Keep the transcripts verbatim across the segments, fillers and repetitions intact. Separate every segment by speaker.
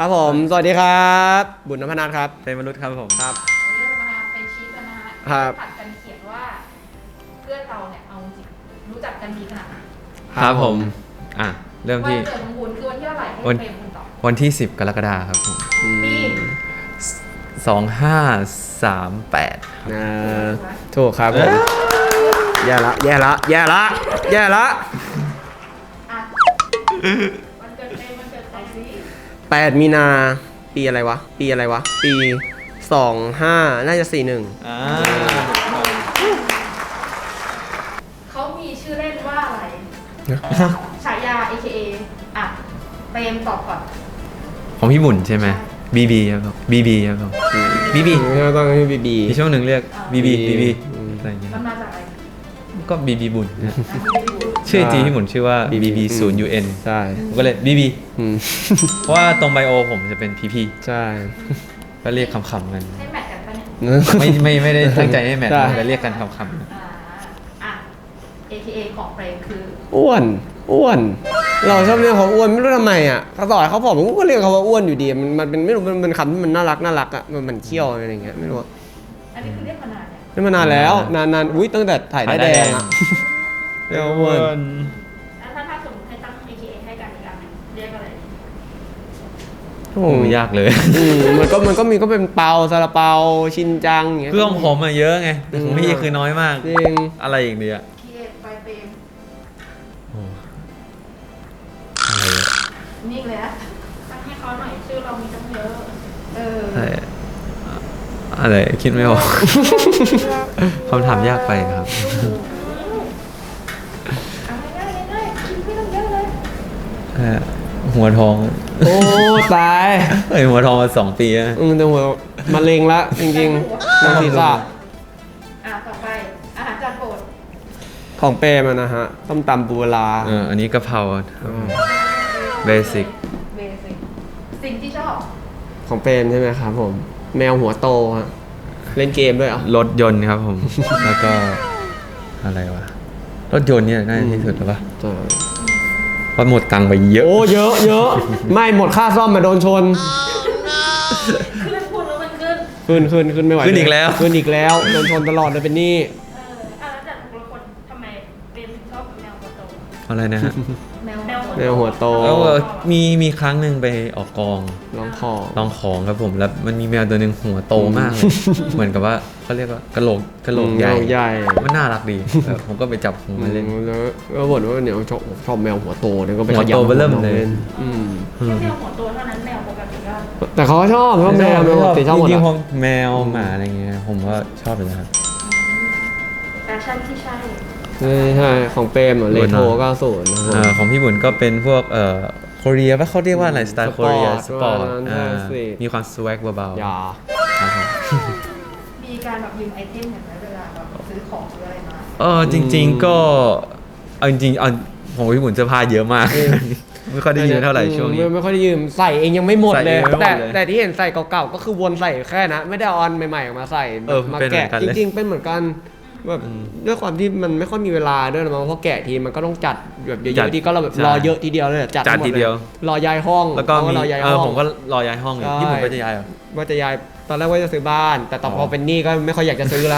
Speaker 1: ครับผมสวัสดีครับบุญนพนัทครับ
Speaker 2: เป็นมนุษย์ครับผม
Speaker 1: ครับ
Speaker 3: วันนี้เรามาเป็นชีกันนะฮะ
Speaker 1: ครับ
Speaker 3: ผัดกันเขียนว่าเพื่อนเราเนี่ยเอาจริงรู้จักกันดีขนาดไหน
Speaker 2: ครับผมอ่ะเริ่มที่
Speaker 3: วันเกิดของบุญคือวันที่เท่าไหร่ให้
Speaker 2: วัน
Speaker 3: เฟรมคุณตอบ
Speaker 2: วันที่สิบกรกฎาคมครับผม
Speaker 3: ปี
Speaker 2: สองห้าสามแปด
Speaker 1: นะถูกครับผมแย่ละแย่ละแย่ละแย่ละ
Speaker 3: อ่ะวันเกิดเฟรมวันเกิดใครสิ
Speaker 1: แปดมีนาปีอะไรวะปีอะไรวะปีสองห้าน่าจะสี่หนึ่ง
Speaker 2: อ่า
Speaker 3: เขามีชื่อเล่นว่าอะไรฉายา เอ เค เอ อ่ะเฟรมตอบก่อน
Speaker 2: ของพี่บุญใช่ไหมบีบีครับผมบีบีครับผมบีบี
Speaker 1: ต้องให้บีบี
Speaker 2: มีช่วงหนึ่งเรียกบีบีบีบีอะไรอย่างเงี้ย
Speaker 3: มันมาจากอะไร
Speaker 2: ก็บีบีบุญนะ
Speaker 3: อ่ะไม่รู้
Speaker 2: ชื่อจริงพี่บุญชื่อว่าบีบีศูนย์ยูเอ็น
Speaker 1: ใช่
Speaker 2: ผมก็เลยบีบี
Speaker 1: อืม
Speaker 2: เพราะว่าตรงไบโอผมจะเป็นพีพี
Speaker 1: ใช่
Speaker 2: ก็เรียกคำๆกัน
Speaker 3: ให้แมทกันปะเนี่ย
Speaker 2: ไม่ไม่ไม่ได้ตั้งใจให้แมท
Speaker 1: ใช่
Speaker 2: แต่เรียกกันคำ
Speaker 3: อ่าอ่ะ เอ เค เอ ของเฟรมคือ
Speaker 1: อ้วนอ้วน เราชอบเรียกเขาอ้วนไม่รู้ทำไมอ่ะเขาต่อยเขาผอมผมก็เรียกเขาว่าอ้วนอยู่ดีมันมันเป็นไม่รู้มันเป็นคำที่มันน่ารักน่ารักอ่ะมันมันเขี้ยวอะไรอย่างเงี้ยไม่รู้อะ
Speaker 3: อันนี้คือเรียกมานานเนี่ย
Speaker 1: นี่มานานแล้วนานนานอุ้ยตั้งแต่ถ่ายได้แดงอ่ะ
Speaker 2: ๆ
Speaker 1: เรียกว่าอ้วน
Speaker 3: แล้วถ้าถ้าสมมติให้ตั้ง เอ เค เอ ให้กันอีกอันหนึ่งเรียกอะไร
Speaker 1: โอ้
Speaker 2: โอ้ยากเลย
Speaker 1: อืมมันก็มันก็มีก็เป็นเปาซาลาเปาชินจังอย่างเงี้ย
Speaker 2: เพื่อนผมอะเยอะไงแต่ของพี่คือน้อยมาก
Speaker 1: จริง
Speaker 2: อะไรอีกดีอะ
Speaker 3: เคไปเฟรม
Speaker 2: โอ้อะไรอะ
Speaker 3: นี่เลยนะตั้งให้เขาหน่อยชื่อเรามีตั้งเยอะ เออ
Speaker 2: อะไรอะอะไรคิดไม่ออก คำถามยากไปครับ
Speaker 3: เอาง่ายๆง่ายๆคิดไม่ต้องเยอะเลย
Speaker 2: เอ่อหัวทอง
Speaker 1: โอ้ตาย
Speaker 2: เฮ้ยหัวทองมาสองปีแล้ว
Speaker 1: อืมแต่หัวมะเร็งละจริงๆน้ำศีรษะ
Speaker 3: อ่ะต่อไปอาหารจานโปรด
Speaker 1: ของเปรมันนะฮะต้มตำปูปลา
Speaker 2: เอออันนี้กะเพราเบสิก
Speaker 3: เบสิกสิ่งที่ชอบ
Speaker 1: ของเปรมใช่ไหมครับผม แมวหัวโตฮะเล่นเกมด้วยเหรอ
Speaker 2: รถยนต์ครับผม แล้วก็อะไรวะรถยนต์เนี่ยน่าจะที่สุดแล้วปะ
Speaker 1: ใช่
Speaker 2: เพราะหมดตังค์ไปเยอะ
Speaker 1: โอ้เยอะเยอะไม่หมดค่าซ่อมมาโดนชน
Speaker 3: ขึ้นพูดแล้วมันขึ้น
Speaker 1: ขึ้นขึ้นขึ้นไม่ไหว
Speaker 2: ขึ้นอีกแล้ว
Speaker 1: ขึ้นอีกแล้วโดนชนตลอดเลยเป็นหนี้
Speaker 3: เอออ่ะแล้วจากทุกคนทำไมเป็นถึงชอบแมวหัวโต
Speaker 2: อะไรนะฮะ
Speaker 3: แมวแมว
Speaker 1: แมวหัวโต
Speaker 2: แล้วมีมีครั้งหนึ่งไปออกกอง
Speaker 1: ร้องคอ
Speaker 2: ลองของครับผมแล้วมันมีแมวตัวหนึ่งหัวโตมากเลย เหมือนกับว่าเขาเรียกว่ากระโหลกกระโหลกใหญ่
Speaker 1: ใหญ่
Speaker 2: มันน่ารักดีเออผมก็ไปจับหัวมาเล่น
Speaker 1: แล้วก็บ่นว่าเนี่ยชอบชอบแมวหัวโตเนี่ยก็ไป
Speaker 2: หัวโตเบ้อเริ่มเลย
Speaker 1: อืม
Speaker 3: แค่แมวหัวโตเท่านั้นแมวปกติก็
Speaker 1: แต่เขาก็ชอบชอบแมวแมวปกติชอบหมด
Speaker 2: จริงๆผ
Speaker 1: อะ
Speaker 2: มแมวหมาอะไรเงี้ยผมก็ชอบเลยนะครับ
Speaker 3: แฟชั่นที่ใช่
Speaker 1: ใช่ใช่ของเปรมเลโทเก้าสิบนะค
Speaker 2: เอ่
Speaker 1: รั
Speaker 2: อบ ของพี่บุญก็เป็นพวกเอ่อโคเรียว่าเขาเรียกว่าอะไรสไตล์โคเรียสปอร์ต
Speaker 1: ใช่สิ
Speaker 2: มีความสวักเบา
Speaker 1: อย่า
Speaker 2: ๆครับผม
Speaker 3: มีการแบบยืมไอเทมอย่างไรเวลาแบบซื้อของหรืออะไรมา
Speaker 2: เออจริง ๆก็เอาจริงๆเอาของพี่บุญเสื้อผ้าเยอะมาก ไม่ค่อยได้ยืมเท่าไหร่ช่วงนี้
Speaker 1: ไม่ไม่ค่อยได้ยืมใส่เองยังไม่หมด
Speaker 2: ใส่
Speaker 1: เล
Speaker 2: เอย งไม่หมด
Speaker 1: แต่
Speaker 2: เลย
Speaker 1: แต่ที่เห็นใส่เก่าๆก็คือวนใส่แค่นะไม่ได้เอาอันใหม่ๆออกมาใส่
Speaker 2: เออ
Speaker 1: มา
Speaker 2: เป็นเหมื
Speaker 1: แกะ
Speaker 2: อนกัน
Speaker 1: จ
Speaker 2: เลย
Speaker 1: ริงๆเป็นเหมือนกันแบบด้วยความที่มันไม่ค่อยมีเวลาด้วยนะมั้งเพราะแกะทีมันก็ต้องจัดแบบเย
Speaker 2: จัด
Speaker 1: อะๆทีก็เราแบบ
Speaker 2: ใช่
Speaker 1: รอเยอะทีเดียวเลยจัด
Speaker 2: จัด
Speaker 1: ทั้งหม
Speaker 2: ทีเดียว
Speaker 1: ลรอย้ายห้อง
Speaker 2: แล้วก็
Speaker 1: เขา
Speaker 2: มี
Speaker 1: รอย้าย
Speaker 2: เอ
Speaker 1: ห้
Speaker 2: อ
Speaker 1: อง
Speaker 2: ผมก็รอย้ายห้องอยู่
Speaker 1: ใช่
Speaker 2: พี่บุญก็จะย้ายเหรอ
Speaker 1: ว่าจะย้ายตอนแรกว่าจะซื้อบ้าน แต่ต่อพอ
Speaker 2: อ
Speaker 1: เป็นหนี้ก็ไม่ค่อยอยากจะซื้อละ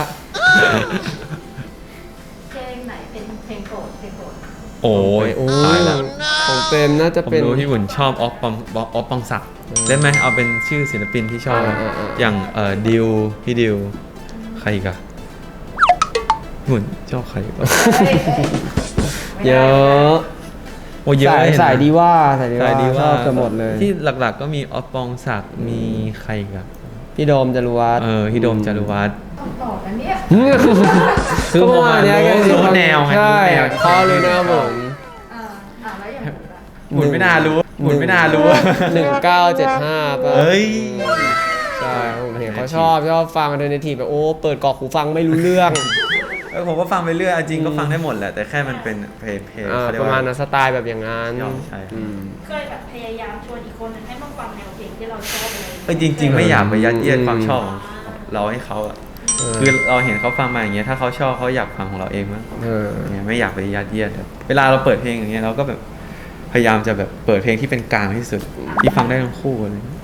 Speaker 3: เพลงไหนเป็นเพลงโปรดเพลงโปรด
Speaker 2: โอ้ย
Speaker 1: โอ้
Speaker 2: ตายแล้ว
Speaker 1: ของเปรมน่าจะ
Speaker 2: ผม
Speaker 1: เป็น
Speaker 2: รู้พี่บุญชอบออฟปองออฟปองศักดิ์ได้ไหมเอาเป็นชื่อศิลปินที่ชอบ
Speaker 1: เออเออเออ
Speaker 2: อย่างเอ่อดิวพี่ดิวใครอีกอะพี่บุญชอบใครอีกอะ
Speaker 3: เฮ้ยเฮ้ยไม่
Speaker 1: เย
Speaker 3: ได้
Speaker 1: อะ
Speaker 2: โอ้เยอะ
Speaker 1: สาย
Speaker 2: เห็นไหม
Speaker 1: สายดีว่าสายดี
Speaker 2: สายดี
Speaker 1: ว่าช
Speaker 2: ว่า
Speaker 1: อบกันหมดเลย
Speaker 2: ที่หลักๆก็มีออฟปองศักดิ์มีใครอีกอะ
Speaker 1: พี่โดมจารุวัฒน์
Speaker 2: เออพี่โดมจารุวัฒน์
Speaker 3: ต้องตอบนะเนี่ย
Speaker 2: คือ
Speaker 1: ก็ประมาณเนี้ย
Speaker 2: ผมอะรู้
Speaker 1: ก็
Speaker 2: แนวไง
Speaker 1: ใช่
Speaker 2: รู้แนว
Speaker 1: เขาเลยนะผม
Speaker 3: อ่าอ่าแล้วอย่างผมล่ะ
Speaker 2: หมุนไม่น่ารู้หมุนไม่น่ารู้
Speaker 1: หนึ่งเก้าเจ็ดห้าป่ะ
Speaker 2: เฮ้ย
Speaker 1: ใช่ผมเห็นเขาชอบชอบฟังอันเทอร์เนทีฟแบบโอ้เปิดกรอกหูฟังไม่รู้เรื่อง
Speaker 2: เออผมก็ฟังไปเรื่อยจริงก็ฟังได้หมดแหละแต่แค่มันเป็นเพลงเพลง
Speaker 1: อ่า
Speaker 2: เขาเรีย
Speaker 1: ป
Speaker 2: ก
Speaker 1: ระมา
Speaker 2: ว่า
Speaker 1: ณนั้นสไตล์แบบอย่างนั้น
Speaker 2: ยอมใช่ครับ
Speaker 1: อืม
Speaker 3: เคยแบบพยายามชวนอีกคนนึงให้มาฟังแนวเพลงที่เราชอบเลย
Speaker 2: เออจริง ๆ ไม่อยากไปยัดเยียด
Speaker 1: อืม
Speaker 2: ความชอบของเราให้เขาอะ
Speaker 1: เออ
Speaker 2: คือเราเห็นเขาฟังมาอย่างเงี้ยถ้าเขาชอบเขาอยากฟังของเราเองมั้ง
Speaker 1: เออ
Speaker 2: เนี่ยไม่อยากไปยัดเยียดแบบเวลาเราเปิดเพลงอย่างเงี้ยเราก็แบบพยายามจะแบบเปิดเพลงที่เป็นกลางที่สุดที่ฟังได้ทั้งคู่อะไรอย่างเลย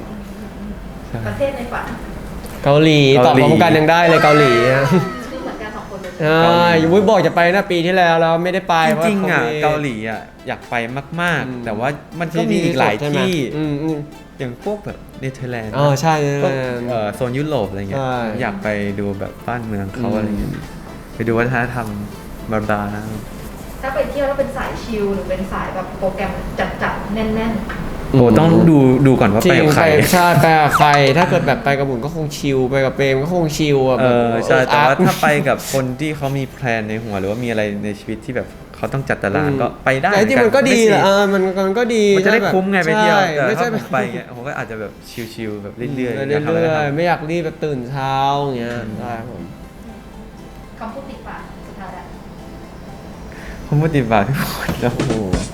Speaker 3: ประเทศในฝัน
Speaker 1: เกาหลีตอบพร้อมกันยังได้เลยเกาหลีนะ
Speaker 3: คือเหมือนกันสองคนเลย
Speaker 1: ใช่ยุ้ยบอกจะไปนะปีที่แล้วแล้วไม่ได้ไป
Speaker 2: จริงๆอ่ะ
Speaker 1: พะว่
Speaker 2: เกาหลีอ่ะอยากไปมาก
Speaker 1: อืม
Speaker 2: ๆ แต่ว่ามันก็มีอีกหลาย
Speaker 1: ใช่ไม
Speaker 2: ที่
Speaker 1: อืมอืม
Speaker 2: อย่างพวกแบบเนเธอร์แลนด์
Speaker 1: อ๋อใช่
Speaker 2: พวกเอ่อโซนยุโรปอะไรเงี้ย
Speaker 1: ใช่
Speaker 2: อยากไปดูแบบบ้านเมืองเขา
Speaker 1: อืม
Speaker 2: อะไรเงี้ยไปดูวัฒนธรรมบาร์บา
Speaker 3: ถ้าไปเที่ยวแล้วเป็นสายชิลหรือเป็นสายแบบโปรแกรมจัดๆแน่น
Speaker 2: โอ้ต้องดูดูก่อนว่า
Speaker 1: จ
Speaker 2: ไป
Speaker 1: ริง
Speaker 2: กับใค
Speaker 1: ไป
Speaker 2: ร
Speaker 1: ใช่ไปกับใคร ถ้าเกิดแบบไปกับบุญก็คงชิลไปกับเปรมก็คงชิลอ่ะ
Speaker 2: เอ
Speaker 1: แบบ
Speaker 2: อใช่แต่ว่า
Speaker 1: อาร์ต
Speaker 2: ถ้าไปกับคนที่เขามีแพลนในหัวหรือว่ามีอะไรในชีวิตที่แบบเขาต้องจัดตารางก็ไปได้
Speaker 1: แต่จริงๆมันก็ดีแหละเออมันมันก็ดี
Speaker 2: มันจะได้คุ้มไงไปเที่ยว
Speaker 1: ใช่
Speaker 2: แต่
Speaker 1: ไม่
Speaker 2: ถ้า
Speaker 1: ใช่
Speaker 2: ผมไปเงี้ยผมก็อาจจะแบบชิลๆแบบเรื่อยๆ
Speaker 1: เรื่อย
Speaker 2: อยากทำอะไรก็
Speaker 1: ๆ
Speaker 2: ทำ
Speaker 1: ไม่อยากรีบแบบตื่นเช้าอย่างเงี้ยใช่ครับผม
Speaker 3: ๆคำพูดติดปากสุดท้ายแล้ว
Speaker 2: ผมปฏิบัติทุกคนแล้วโอ้โห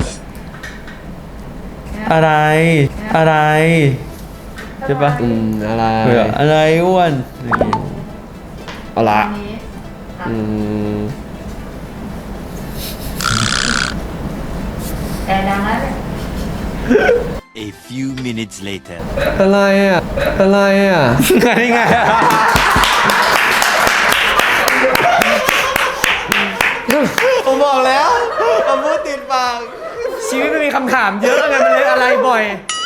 Speaker 2: อะไรอะไร ใช่ปะ
Speaker 1: อืมอะไร
Speaker 2: เผื่ออะไรอ้วนอย่างงี้
Speaker 1: เอาละ
Speaker 3: อันนี้อ่ะ
Speaker 1: อืม
Speaker 3: แอร์ดังแล้วเนี่ย
Speaker 4: A few minutes later.
Speaker 1: อะไรอ่ะอะไรอ่ะ
Speaker 2: นี่ไง
Speaker 1: ผมบอกแล้วผมพูดติดปากชีวิตมันมีคำถามเยอะไงมันเลยอะไรบ่อย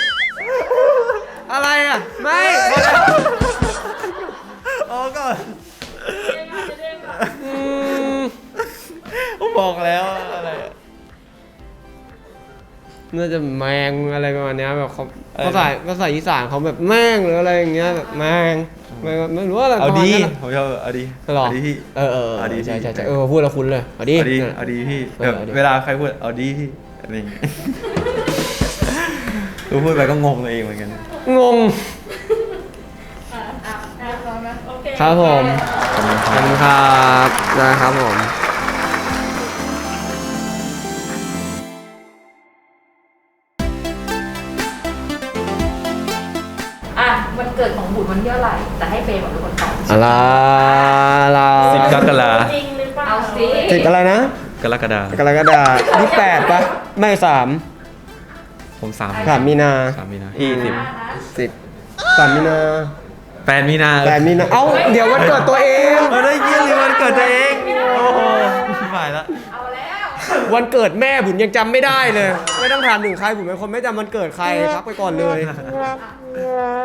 Speaker 1: อะไรอ่ะ ไม่
Speaker 2: โอ้ก็
Speaker 1: อืม
Speaker 2: ผมบอกแล้วอะไรอะ
Speaker 1: น่าจะแมงอะไรประมาณเนี้ยแบบเขา
Speaker 2: อะไรนะ
Speaker 1: ภาษาภาษาอีสานเขาแบบแมงหรืออะไรอย่างเงี้ยแบบแมงไม่ไม่รู้อะไร
Speaker 2: เอาดี
Speaker 1: ประมาณนั้นอะ
Speaker 2: ผมชอบเอาดี
Speaker 1: หรอ
Speaker 2: เอาดีพี่
Speaker 1: เออเออ
Speaker 2: เอาดี
Speaker 1: ใช่ใช่
Speaker 2: พี่
Speaker 1: ใช่เออพูดแล้วคุ้นเลยเอาดี
Speaker 2: เอาดี
Speaker 1: นั่นแหละ
Speaker 2: เอาดีพี่
Speaker 1: เออ
Speaker 2: แบบ
Speaker 1: เอาดี
Speaker 2: เวลาใครพูดเอาดีพี่อะไรอย่างเงี้ยกูพูดไปก็งงตัวเองเหมือนกัน
Speaker 1: งง
Speaker 3: อ่ะอ่ะอ่ะลองนะโอเค
Speaker 1: ครับผม
Speaker 2: ขอบคุณค
Speaker 1: ข
Speaker 2: รั
Speaker 1: อบบ คุณครับได้ครับผม
Speaker 3: อ่ะวันเกิดของบุตรวันที่เท่าไหร่แต่ให้เฟย์บอกเป็นคนตอบ
Speaker 1: อะไรเรา
Speaker 2: สิบกรกฎา
Speaker 3: จริงหรือเปล่าเอาสิ
Speaker 1: สิบอะไรนะ
Speaker 2: กรกฎาก
Speaker 1: รกฎานี่แปดปะไม่สาม
Speaker 2: ผมสาม
Speaker 1: สามมีนา
Speaker 2: สามมีนายี่สิบ
Speaker 1: สิบสามมีนา
Speaker 2: แปดมีนา
Speaker 1: แปดมีนาเอ้าเดี๋ยววันเกิดตัวเอง
Speaker 2: เออได้ยี่สิบวันเกิดตัวเองโอ้โหไม่ละ
Speaker 3: เอาแล้ว
Speaker 1: วันเกิดแม่บุญยังจำไม่ได้เลย ไม่ต้องถามถึงใครบุญเป็นคนไม่จำวันเกิดใครพักไปก่อนเลย